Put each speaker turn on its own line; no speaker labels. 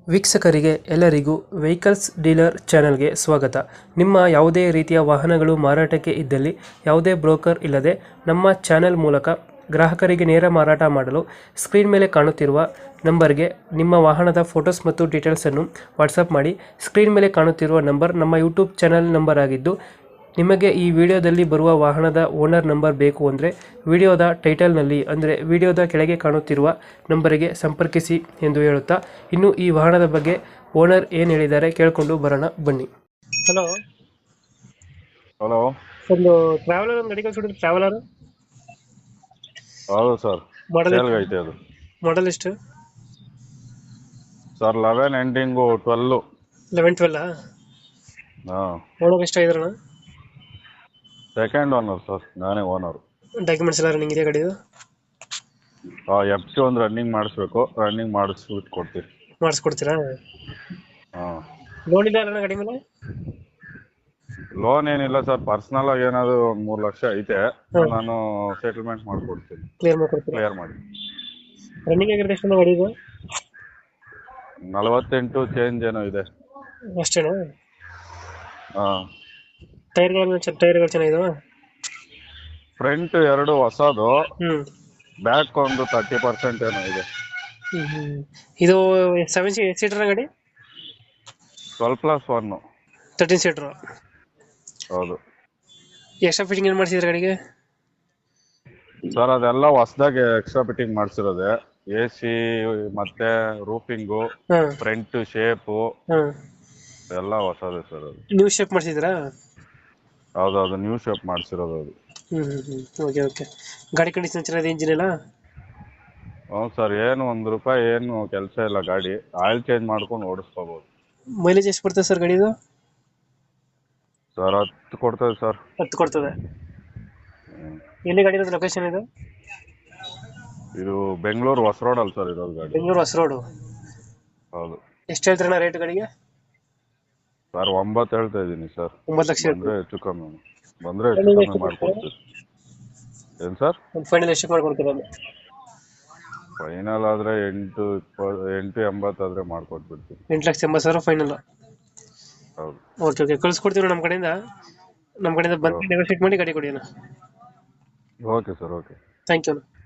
ವೀಕ್ಷಕರಿಗೆ ಎಲ್ಲರಿಗೂ vehicles dealer ಚಾನೆಲ್ಗೆ ಸ್ವಾಗತ. ನಿಮ್ಮ ಯಾವುದೇ ರೀತಿಯ ವಾಹನಗಳು ಮಾರಾಟಕ್ಕೆ ಇದ್ದಲ್ಲಿ ಯಾವುದೇ ಬ್ರೋಕರ್ ಇಲ್ಲದೆ ನಮ್ಮ ಚಾನೆಲ್ ಮೂಲಕ ಗ್ರಾಹಕರಿಗೆ ನೇರ ಮಾರಾಟ ಮಾಡಲು ಸ್ಕ್ರೀನ್ ಮೇಲೆ ಕಾಣುತ್ತಿರುವ ನಂಬರ್ಗೆ ನಿಮ್ಮ ವಾಹನದ ಫೋಟೋಸ್ ಮತ್ತು ಡೀಟೇಲ್ಸನ್ನು ವಾಟ್ಸಪ್ ಮಾಡಿ. ಸ್ಕ್ರೀನ್ ಮೇಲೆ ಕಾಣುತ್ತಿರುವ ನಂಬರ್ ನಮ್ಮ ಯೂಟ್ಯೂಬ್ ಚಾನೆಲ್ ನಂಬರ್ ಆಗಿದ್ದು, ನಿಮಗೆ ಈ ವಿಡಿಯೋದಲ್ಲಿ ಬರುವ ವಾಹನದ ಓನರ್ ನಂಬರ್ ಬೇಕು ಅಂದರೆ ವಿಡಿಯೋದ ಟೈಟಲ್ನಲ್ಲಿ ಅಂದರೆ ವಿಡಿಯೋದ ಕೆಳಗೆ ಕಾಣುತ್ತಿರುವ ನಂಬರಿಗೆ ಸಂಪರ್ಕಿಸಿ ಎಂದು ಹೇಳುತ್ತಾ, ಇನ್ನು ಈ ವಾಹನದ ಬಗ್ಗೆ ಓನರ್ ಏನು ಹೇಳಿದ್ದಾರೆ ಕೇಳಿಕೊಂಡು ಬರೋಣ ಬನ್ನಿ. Hello,
hello.
ಒಂದು ಟ್ರಾವೆಲರ್ ಒಂದು ಗಾಡಿ ಕಳಿಸ್ಬಿಟ್ಟು. ಟ್ರಾವೆಲರ್
ಹೌದು ಸರ್,
ಮಾಡಲ್
ಸೇಲ್ಗೆ ಐತೆ ಅದು.
ಮಾಡಲ್ ಎಷ್ಟು
ಸರ್ 11 ಎಂಡಿಂಗು 12.
11-12
ಹಾಂ,
ಓನರ್ ಎಷ್ಟಾಗಿದ್ರಣ?
ಸೆಕೆಂಡ್ ಓನರ್ ಸರ್, ನಾನೇ ಓನರು.
ಡಾಕ್ಯುಮೆಂಟ್ಸ್ ಎಲ್ಲ ರನ್ನಿಂಗ್ ಇದೆ ಗಾಡಿದು?
FC ಒಂದು ರನ್ನಿಂಗ್ ಮಾಡಿಸ್ಬೇಕು, ರನ್ನಿಂಗ್ ಮಾಡಿಸ್ಬಿಟ್ಟು ಕೊಡ್ತೀವಿ.
ಮಾಡಿಸ್ಕೊಡ್ತೀರಾ?
ಹಾಂ,
ಲೋನ್ ಇಲ್ಲ ಅಣ್ಣ ಗಾಡಿ ಮೇಲೆ?
ಲೋನ್ ಏನಿಲ್ಲ ಸರ್, ಪರ್ಸ್ನಲ್ ಆಗಿ ಏನಾದ್ರು ಒಂದು 3 ಲಕ್ಷ ಐತೆ, ನಾನು ಸೆಟಲ್ಮೆಂಟ್ ಮಾಡಿಕೊಡ್ತೀನಿ,
ಕ್ಲಿಯರ್ ಮಾಡ್ಕೊಡ್ತೀರಾ?
ಕ್ಲಿಯರ್ ಮಾಡಿ.
ರನ್ನಿಂಗ್ ಆಗಿರೋದು ಎಷ್ಟು ಗಾಡಿ ಇದು?
48 ಚೇಂಜ್ ಏನೋ ಇದೆ.
ಅಷ್ಟೇನಾ?
ಹಾಂ,
ಟೈರ್ಗಳು ಚೆನ್ನಾಗಿದಾವ?
ಫ್ರಂಟ್ 2 ಹೊಸದು,
ಹ್ಮ್
ಬ್ಯಾಕ್ ಒಂದು 30% ಏನೋ ಇದೆ.
ಇದು 7 ಸೀಟರ್ ಗಾಡಿ?
12+1.
13 ಸೀಟರ್.
ಹೌದು
ಎಕ್ಸ್ಟ್ರಾ ಫಿಟ್ಟಿಂಗ್ ಏನು ಮಾಡಿಸಿದ್ರೆ ಗಾಡಿಗೆ?
ಸರ್ ಅದೆಲ್ಲ ಹೊಸದಾಗಿ ಎಕ್ಸ್ಟ್ರಾ ಫಿಟ್ಟಿಂಗ್ ಮಾಡಿಸಿರೋದೆ. AC ಮತ್ತೆ ರೂಫಿಂಗು,
ಹಾಂ
ಫ್ರಂಟ್ ಶೇಪು
ಹಾಂ
ಎಲ್ಲ ಹೊಸದೇ ಸರ್. ಅದು
ನ್ಯೂ ಶೇಪ್ ಮಾಡಿಸಿದ್ರಾ?
ಹೌದೌದು, ನ್ಯೂ ಶೇಪ್ ಮಾಡಿಸಿರೋದು ಅದು.
Okay okay. ಗಾಡಿ ಕಂಡೀಷನ್ ಚೆನ್ನಾಗಿದೆ, ಇಂಜಿನ್ ಎಲ್ಲ?
ಹ್ಞೂ ಸರ್, ಏನು ₹1 ಏನು ಕೆಲಸ ಇಲ್ಲ. ಗಾಡಿ ಆಯಿಲ್ ಚೇಂಜ್ ಮಾಡ್ಕೊಂಡು ಓಡಿಸ್ಕೋಬೋದು.
ಮೈಲೇಜ್ ಎಷ್ಟು ಬರ್ತದೆ ಸರ್ ಗಾಡಿದು?
ಸರ್ 10 ಕೊಡ್ತದೆ ಸರ್.
10 ಕೊಡ್ತದೆ. ಎಲ್ಲಿ ಗಾಡಿ ಇರೋದು? ಲೊಕೇಶನ್ ಇದು?
ಇದು ಬೆಂಗಳೂರು ಹೊಸ ರೋಡಲ್ಲಿ ಸರ್ ಇರೋದು ಗಾಡಿ.
ಬೆಂಗಳೂರು ಹೊಸ ರೋಡು.
ಹೌದು.
ಎಷ್ಟು ಹೇಳ್ತೀರಣ್ಣ ರೇಟ್ ಗಾಡಿಗೆ?
ಸರ್ 9 ಹೇಳ್ತಾ ಇದ್ದೀನಿ ಸರ್.
9 ಲಕ್ಷ
ಬಂದರೆ ಹೆಚ್ಚು ಕಮ್ಮಿ ಮಾಡಿಕೊಡ್ತೀವಿ. ಏನು ಸರ್?
ಒಂದು ಫೈನಲ್ ಎಷ್ಟು ಮಾಡ್ಕೊಡ್ತೀರ?
ಫೈನಲ್ ಆದರೆ 880 ಆದರೆ ಮಾಡಿಕೊಟ್ಬಿಡ್ತೀವಿ.
8,80,000 ಫೈನಲ್?
ಹೌದು.
ಓಕೆ ಓಕೆ, ಕಳಿಸ್ಕೊಡ್ತೀವಿ ನಮ್ಮ ಕಡೆಯಿಂದ ಬಂದು ನೆಗೋಷಿಯೇಟ್ ಮಾಡಿ ಗಾಡಿ ಕೊಡಿ ಅಣ್ಣ.
Okay sir, okay.
Thank you.